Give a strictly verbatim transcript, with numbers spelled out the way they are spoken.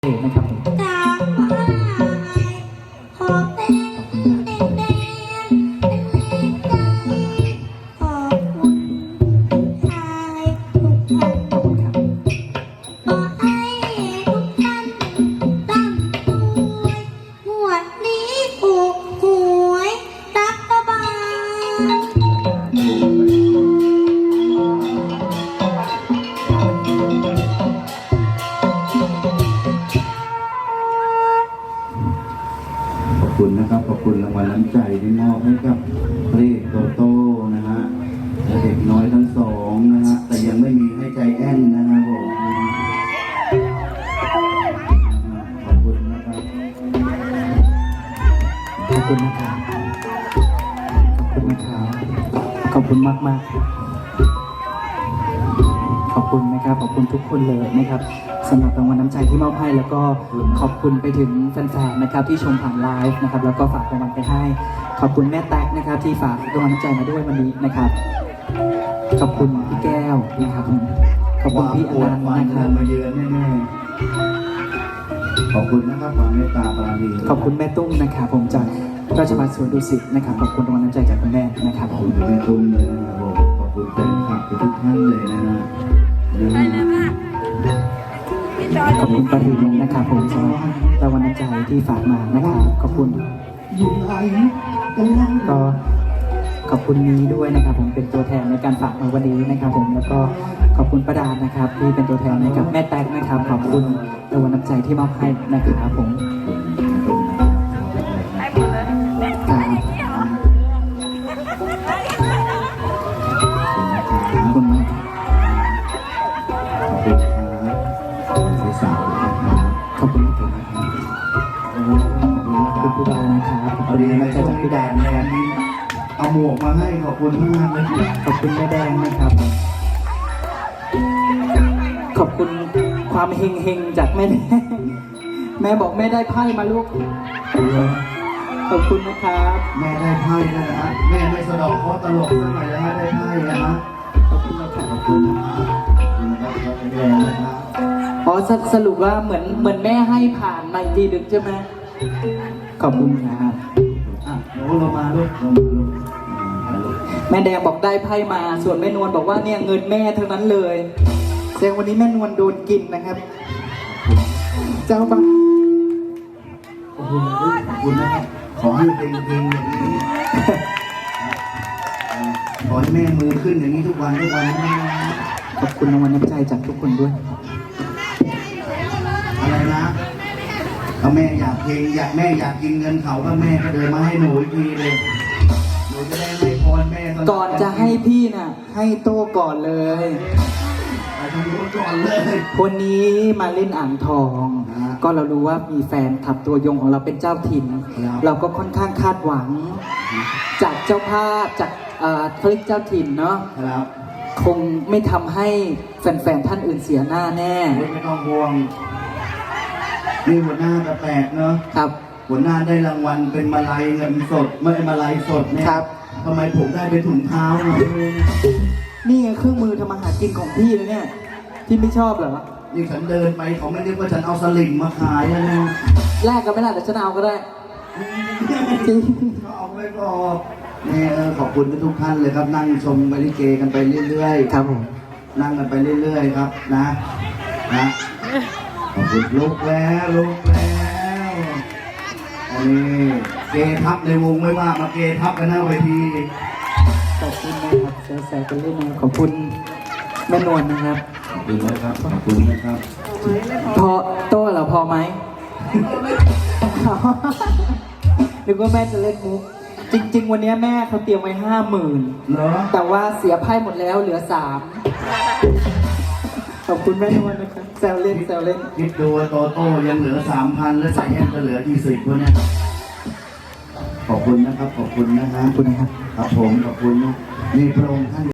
นะครับผมจากบ้านขอเต้นเต้นเต้นเต้นเล่นใจขอบคุณชายทุกท่านขอบคุณครับขอให้ทุกท่านร่ำรวยงวดนี้ถูกหวยรัฐบาลขอบคุณนะครับขอบคุณรางวัลน้ำใจที่มอบให้กับพระเอกโตโต้นะฮะและเด็กน้อยทั้งสองนะฮะแต่ยังไม่มีให้ใจแอนนะครับผมขอบคุณนะครับขอบคุณนะครับขอบคุณนะครับขอบคุณมากมากขอบคุณนะครับขอบคุณทุกคนเลยนะครับสำหรับรางวัลน้ำใจที่มอบให้แล้วก็ขอบคุณไปถึงแฟนๆนะครับที่ชมผ่านไลฟ์นะครับแล้วก็ฝากรางวัลไปให้ขอบคุณแม่แต๊กนะครับที่ฝากรางวัลน้ำใจมาด้วยวันนี้นะครับขอบคุณพี่แก้วนะครับขอบคุณพี่อนันต์นะครับมาเยือนแน่ๆขอบคุณนะครับความเมตตาปราณีขอบคุณแม่ตุ้มนะครับผมจากราชภัฏสวนดุสิตนะครับขอบคุณรางวัลน้ำใจจากคุณแม่นะครับขอบคุณแม่ตุ้มเลยนะครับผมขอบคุณแฟนคลับทุกท่านเลยนะนะขอบคุณปริญนะครับผมสำหรับรางวัลน้ำใจที่ฝากมานะครับขอบคุณก็ขอบคุณนี้ด้วยนะครับผมเป็นตัวแทนในการฝากมาวันนี้นะครับผมแล้วก็ขอบคุณประดานะครับที่เป็นตัวแทนให้กับแม่แต๊กนะครับขอบคุณรางวัลน้ำใจที่มอบให้นะครับผมขอบคุณมากขอบคุณครับขอบคุณพี่ดานะครับขอบคุณน้ำใจจากพี่แดงนะครับเอาหมวกมาให้ขอบคุณมากเลยขอบคุณแม่แดงนะครับขอบคุณความเฮงเฮงจากแม่แดงแม่บอกแม่ได้ไพ่มาลูกขอบคุณนะครับแม่ได้ไพ่นะฮะแม่ไม่สะดอกเพราะตลกสักหน่อยนะได้ไพ่นะฮะขอบคุณนะครับขอบคุณนะครับขอบคุณนะครับแม่นะครับอ๋อสรุปว่าเหมือนเหมือนแม่ให้ผ่านมาทีดึกใช่ไหมขอบคุณนะครับอ่ะเดี๋ยวเรามาลูกเรามาลูกแม่แดงบอกได้ไพ่มาส่วนแม่นวลบอกว่าเนี่ยเงินแม่ทั้งนั้นเลยแสดงวันนี้แม่นวลโดนกินนะครับเจ้าบ้าขอบคุณขอบคุณนะครับขอให้เป็นเพลงอย่างนี้ขอให้แม่มือขึ้นอย่างนี้ทุกวันทุกวันนะขอบคุณรางวัลน้ำใจจากทุกคนด้วยอะไรนะถ้าแม่อยากเพลงอยากแม่อยากกินเงินเขาก็แม่ก็เดินมาให้หนูอีกทีเลยหนูจะได้ให้พรแม่ก่อนจะให้พี่น่ะให้โต้ก่อนเลยไปทางนู้นก่อนเลยคนนี้มาเล่นอ่างทองก็เรารู้ว่ามีแฟนขับตัวยงของเราเป็นเจ้าถิ่นเราก็ค่อนข้างคาดหวังจากเจ้าภาพจากคลิกเจ้าถิ่นเนาะคงไม่ทำให้แฟนๆท่านอื่นเสียหน้าแน่ไม่ต้องห่วงนี่หัวหน้าแปลกเนาะครับหัวหน้าได้รางวัลเป็นมาลัยเงินสดไม่ใช่มาลัยสดเนี่ยครับทำไมผมได้เป็นถุงเท้านี่ไงเครื่องมือทำอาหารกินของพี่เลยเนี่ยพี่ไม่ชอบเหรอนี่ฉันเดินไปเขาไม่เรียกว่าฉันเอาสลิงมาขายนะเนี่ยแลกกันไม่ได้แต่ฉันเอาก็ได้จริงเอาไว้ก่อนนี่ขอบคุณทุกท่านเลยครับนั่งชมบริเกกันไปเรื่อยๆครับผมนั่งกันไปเรื่อยๆครับนะนะขอบคุณลุกแล้วลุกแล้วอันนี้เกทับในวงไม่มากมาเกทับกันหน้าเวทีขอบคุณนะครับแซวๆกันเล่นนะขอบคุณแม่นวลนะครับขอบคุณนะครับขอบคุณนะครับพอโต้เหรอพอไหมนึกว่าแม่จะเล่นมุกจริงๆวันนี้แม่เขาเตรียมไว้ห้าหมื่นแต่ว่าเสียไพ่หมดแล้วเหลือสามขอบคุณแม่นวลนะครับแซวเล่นแซวเล่นคิดดูโตโต้ยังเหลือสามพันแล้วใส่แอนจะเหลือกี่สิบวะเนี่ยขอบคุณนะครับขอบคุณนะฮะขอบคุณนะครับครับผมขอบคุณนะนี่พระองค์ท่าน